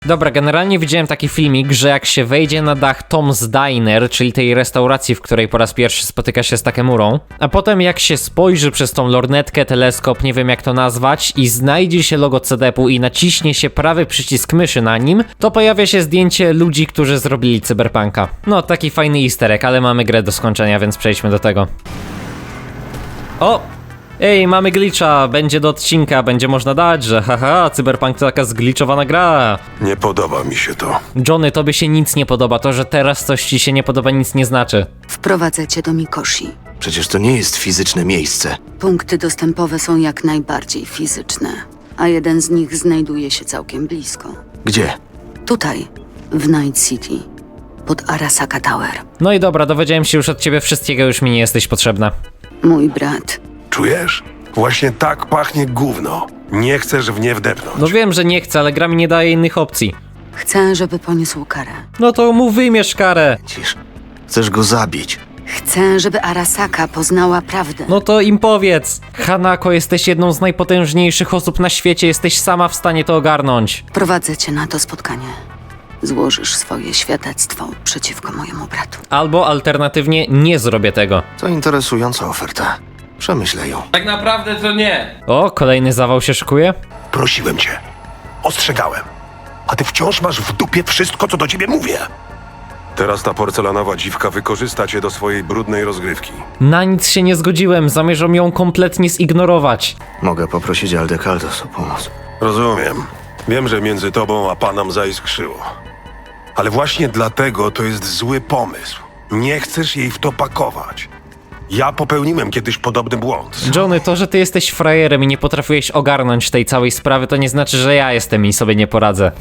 Dobra, generalnie widziałem taki filmik, że jak się wejdzie na dach Tom's Diner, czyli tej restauracji, w której po raz pierwszy spotyka się z Takemurą, a potem jak się spojrzy przez tą lornetkę, teleskop, nie wiem jak to nazwać, i znajdzie się logo CDP-u i naciśnie się prawy przycisk myszy na nim, to pojawia się zdjęcie ludzi, którzy zrobili Cyberpunka. No, taki fajny easter egg, ale mamy grę do skończenia, więc przejdźmy do tego. O! Ej, mamy glitcha, będzie do odcinka, będzie można dać, że haha, Cyberpunk to taka zgliczowana gra. Nie podoba mi się to. Johnny, tobie się nic nie podoba, to, że teraz coś ci się nie podoba, nic nie znaczy. Wprowadzę cię do Mikoshi. Przecież to nie jest fizyczne miejsce. Punkty dostępowe są jak najbardziej fizyczne, a jeden z nich znajduje się całkiem blisko. Gdzie? Tutaj, w Night City, pod Arasaka Tower. No i dobra, dowiedziałem się już od ciebie wszystkiego, już mi nie jesteś potrzebna. Mój brat. Czujesz? Właśnie tak pachnie gówno. Nie chcesz w nie wdepnąć. No wiem, że nie chcę, ale gra mi nie daje innych opcji. Chcę, żeby poniósł karę. No to mu wymierz karę. Cisz. Chcesz go zabić. Chcę, żeby Arasaka poznała prawdę. No to im powiedz. Hanako, jesteś jedną z najpotężniejszych osób na świecie, jesteś sama w stanie to ogarnąć. Prowadzę cię na to spotkanie. Złożysz swoje świadectwo przeciwko mojemu bratu. Albo alternatywnie nie zrobię tego. To interesująca oferta. Przemyślę ją. Tak naprawdę to nie. O, kolejny zawał się szykuje? Prosiłem cię. Ostrzegałem. A ty wciąż masz w dupie wszystko, co do ciebie mówię. Teraz ta porcelanowa dziwka wykorzysta cię do swojej brudnej rozgrywki. Na nic się nie zgodziłem, zamierzam ją kompletnie zignorować. Mogę poprosić Aldekaldos o pomoc. Rozumiem. Wiem, że między tobą a panem zaiskrzyło. Ale właśnie dlatego to jest zły pomysł. Nie chcesz jej w to pakować. Ja popełniłem kiedyś podobny błąd. Johnny, to, że ty jesteś frajerem i nie potrafiłeś ogarnąć tej całej sprawy, to nie znaczy, że ja jestem i sobie nie poradzę.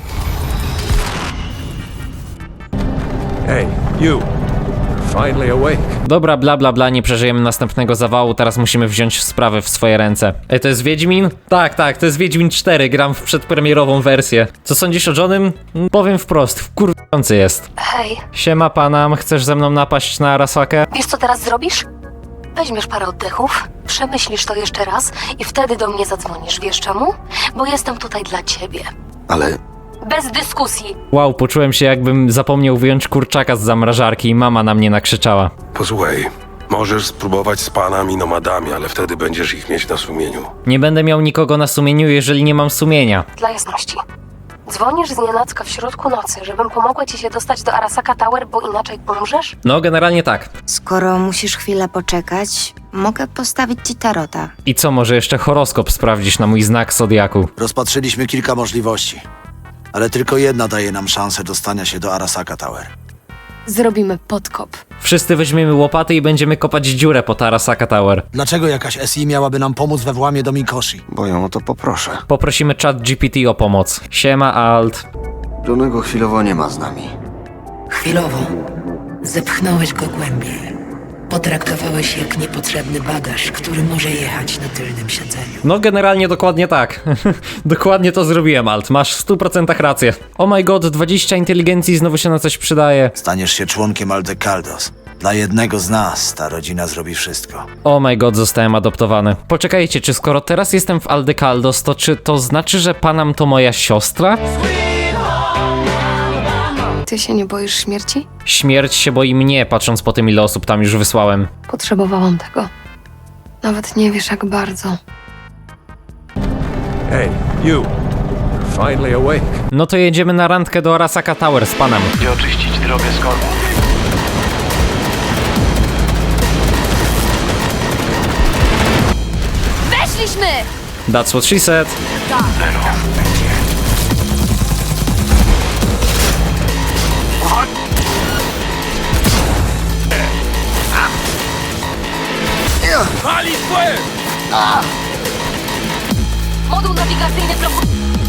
Hey, you. Finally awake. Dobra, bla bla bla, nie przeżyjemy następnego zawału, teraz musimy wziąć sprawę w swoje ręce. Ej, to jest Wiedźmin? Tak, to jest Wiedźmin 4, gram w przedpremierową wersję. Co sądzisz o Johnnym? Powiem wprost, wkurwiający jest. Hej, Siema Panam, chcesz ze mną napaść na Arasakę? wiesz co teraz zrobisz? Weźmiesz parę oddechów, przemyślisz to jeszcze raz i wtedy do mnie zadzwonisz. Wiesz czemu? Bo jestem tutaj dla ciebie. Ale Bez dyskusji. Wow, poczułem się jakbym zapomniał wyjąć kurczaka z zamrażarki i mama na mnie nakrzyczała. posłuchaj, możesz spróbować z panami nomadami, ale wtedy będziesz ich mieć na sumieniu. Nie będę miał nikogo na sumieniu, jeżeli nie mam sumienia. Dla jasności. Dzwonisz znienacka w środku nocy, żebym pomogła ci się dostać do Arasaka Tower, bo inaczej umrzesz? No, generalnie tak. Skoro musisz chwilę poczekać, mogę postawić ci tarota. I co, może jeszcze horoskop sprawdzisz na mój znak zodiaku? Rozpatrzyliśmy kilka możliwości, ale tylko jedna daje nam szansę dostania się do Arasaka Tower. Zrobimy podkop. Wszyscy weźmiemy łopaty i będziemy kopać dziurę pod Arasaka Tower. Dlaczego jakaś SI miałaby nam pomóc we włamie do Mikoshi? Bo ją o to poproszę. Poprosimy ChatGPT o pomoc. Siema Alt. Johnego chwilowo nie ma z nami. Chwilowo. Zepchnąłeś go głębiej. Potraktowałeś jak niepotrzebny bagaż, który może jechać na tylnym siedzeniu. No generalnie dokładnie tak. Dokładnie to zrobiłem, Alt. Masz w 100% rację. Oh my god, 20 inteligencji znowu się na coś przydaje. Staniesz się członkiem Aldekaldos. Dla jednego z nas ta rodzina zrobi wszystko. Oh my god, zostałem adoptowany. Poczekajcie, czy skoro teraz jestem w Aldekaldos, to czy to znaczy, że Panam to moja siostra? Ty się nie boisz śmierci? Śmierć się boi mnie, patrząc po tym, ile osób tam już wysłałem. Potrzebowałam tego. Nawet nie wiesz jak bardzo. Hey, you. Finally awake. No to jedziemy na randkę do Arasaka Tower z Panem. Gdzie oczyścić drogę z korków. Weszliśmy! That's what she said. Moduł nawigacyjny blokuje.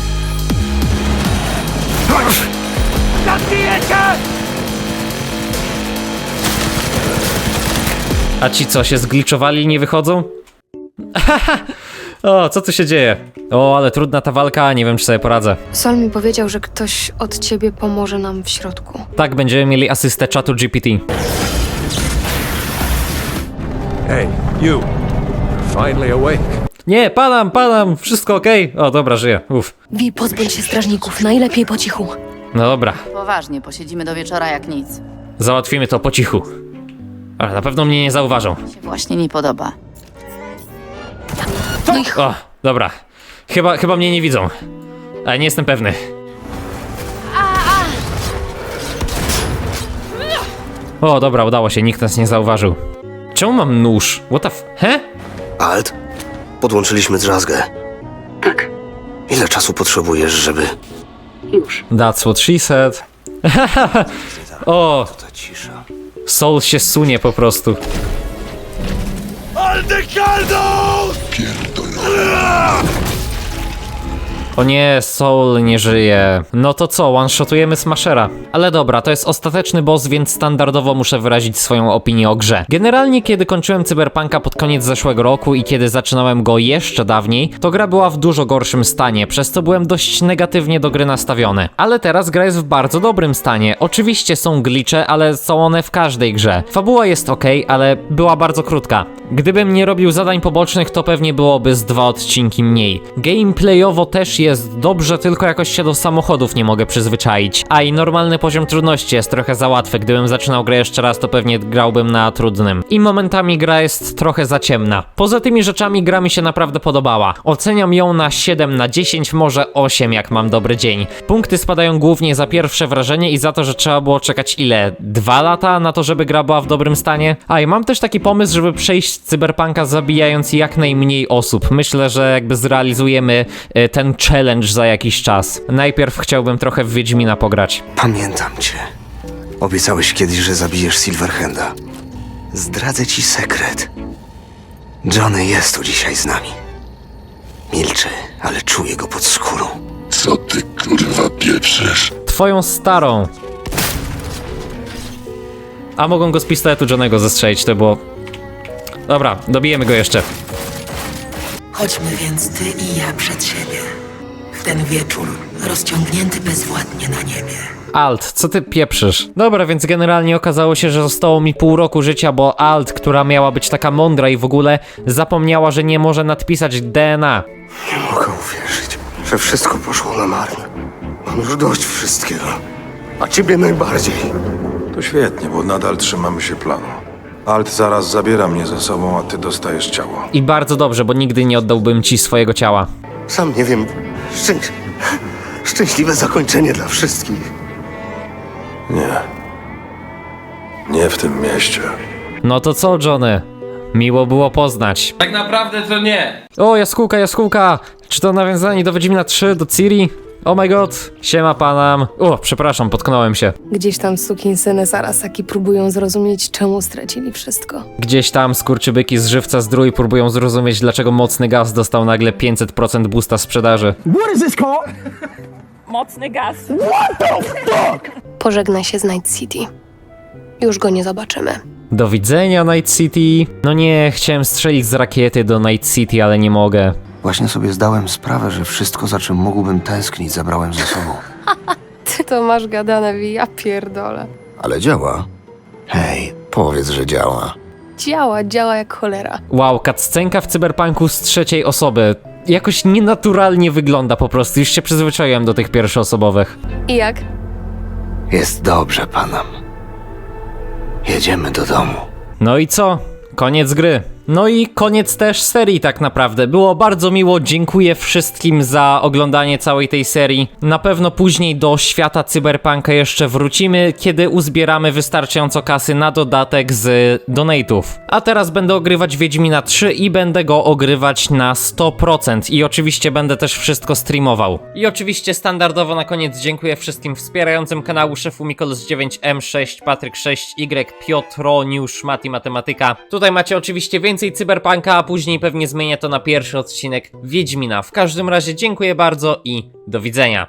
A ci co, się zgliczowali i nie wychodzą? O, co tu się dzieje? O, ale trudna ta walka, nie wiem czy sobie poradzę. Sol mi powiedział, że ktoś od ciebie pomoże nam w środku. Tak, będziemy mieli asystę czatu GPT. Hey, you. Finally awake. Nie, padam, wszystko okej. O, dobra, żyję, uff. Wi, pozbądź się strażników, najlepiej po cichu. No dobra, Poważnie, posiedzimy do wieczora jak nic. załatwimy to po cichu. Ale na pewno mnie nie zauważą. Się właśnie nie podoba. No i O, dobra. Chyba mnie nie widzą. Ale nie jestem pewny. O, dobra, udało się, nikt nas nie zauważył. Czemu mam nóż? What the He? Alt, podłączyliśmy drzazgę. Tak, Ile czasu potrzebujesz, żeby... już. That's what she said. O, Ta cisza. Soul się sunie po prostu. O nie, Soul nie żyje. No to co, one-shotujemy Smashera. Ale dobra, to jest ostateczny boss, więc standardowo muszę wyrazić swoją opinię o grze. Generalnie, kiedy kończyłem Cyberpunka pod koniec zeszłego roku i kiedy zaczynałem go jeszcze dawniej, to gra była w dużo gorszym stanie, przez co byłem dość negatywnie do gry nastawiony. Ale teraz gra jest w bardzo dobrym stanie. Oczywiście są glitche, ale są one w każdej grze. Fabuła jest okej, ale była bardzo krótka. Gdybym nie robił zadań pobocznych, to pewnie byłoby z 2 odcinki mniej. Gameplayowo też jest dobrze, tylko jakoś się do samochodów nie mogę przyzwyczaić. A i normalny poziom trudności jest trochę za łatwy. Gdybym zaczynał grę jeszcze raz, to pewnie grałbym na trudnym. I momentami gra jest trochę za ciemna. Poza tymi rzeczami gra mi się naprawdę podobała. Oceniam ją na 7 na 10, może 8 jak mam dobry dzień. Punkty spadają głównie za pierwsze wrażenie i za to, że trzeba było czekać ile? 2 lata na to, żeby gra była w dobrym stanie? A i mam też taki pomysł, żeby przejść Cyberpunka zabijając jak najmniej osób. Myślę, że jakby zrealizujemy ten challenge za jakiś czas. Najpierw chciałbym trochę w Wiedźmina pograć. Pamiętam cię. Obiecałeś kiedyś, że zabijesz Silverhanda. Zdradzę ci sekret. Johnny jest tu dzisiaj z nami. Milczy, ale czuję go pod skórą. Co ty kurwa pieprzysz? Twoją starą. A mogą go z pistoletu Johnnego zestrzelić, to było... Dobra, dobijemy go jeszcze. Chodźmy więc ty i ja przed siebie. W ten wieczór, rozciągnięty bezwładnie na niebie. Alt, co ty pieprzysz? Dobra, więc generalnie okazało się, że zostało mi pół roku życia, bo Alt, która miała być taka mądra i w ogóle zapomniała, że nie może nadpisać DNA. Nie mogę uwierzyć, że wszystko poszło na marne. Mam już dość wszystkiego. A ciebie najbardziej. To świetnie, bo nadal trzymamy się planu. Alt zaraz zabiera mnie ze sobą, a ty dostajesz ciało. I bardzo dobrze, bo nigdy nie oddałbym ci swojego ciała. Sam nie wiem. Szczęśliwe zakończenie dla wszystkich. Nie. Nie w tym mieście. No to co, Johnny? Miło było poznać. Tak naprawdę to nie. O, jaskółka! Czy to nawiązanie do Wiedźmina 3, do Ciri? Oh my god, siema panam. O, przepraszam, potknąłem się. Gdzieś tam sukinsyny z Arasaki próbują zrozumieć, czemu stracili wszystko. Gdzieś tam skurczybyki z żywca zdrój próbują zrozumieć, dlaczego mocny gaz dostał nagle 500% boosta sprzedaży. Mocny gaz. Pożegnaj się z Night City. Już go nie zobaczymy. Do widzenia, Night City. No nie, chciałem strzelić z rakiety do Night City, ale nie mogę. Właśnie sobie zdałem sprawę, że wszystko, za czym mógłbym tęsknić, zabrałem ze sobą. Ty to masz gadane, ja pierdolę. Ale działa. Hej, powiedz, że działa. Działa jak cholera. Wow, cutscenka w Cyberpunku z trzeciej osoby. Jakoś nienaturalnie wygląda po prostu, już się przyzwyczaiłem do tych pierwszoosobowych. I jak? Jest dobrze, panam. Jedziemy do domu. No i co? Koniec gry. No i koniec też serii tak naprawdę. Było bardzo miło, dziękuję wszystkim za oglądanie całej tej serii. Na pewno później do świata Cyberpunka jeszcze wrócimy, kiedy uzbieramy wystarczająco kasy na dodatek z donate'ów. A teraz będę ogrywać Wiedźmina 3 i będę go ogrywać na 100%. I oczywiście będę też wszystko streamował. I oczywiście standardowo na koniec dziękuję wszystkim wspierającym kanału szefu Mikolos 9, M6, Patryk 6Y, Piotroniusz, Mati Matematyka. Tutaj macie oczywiście więcej Cyberpunka, a później pewnie zmienię to na pierwszy odcinek Wiedźmina. W każdym razie dziękuję bardzo i do widzenia.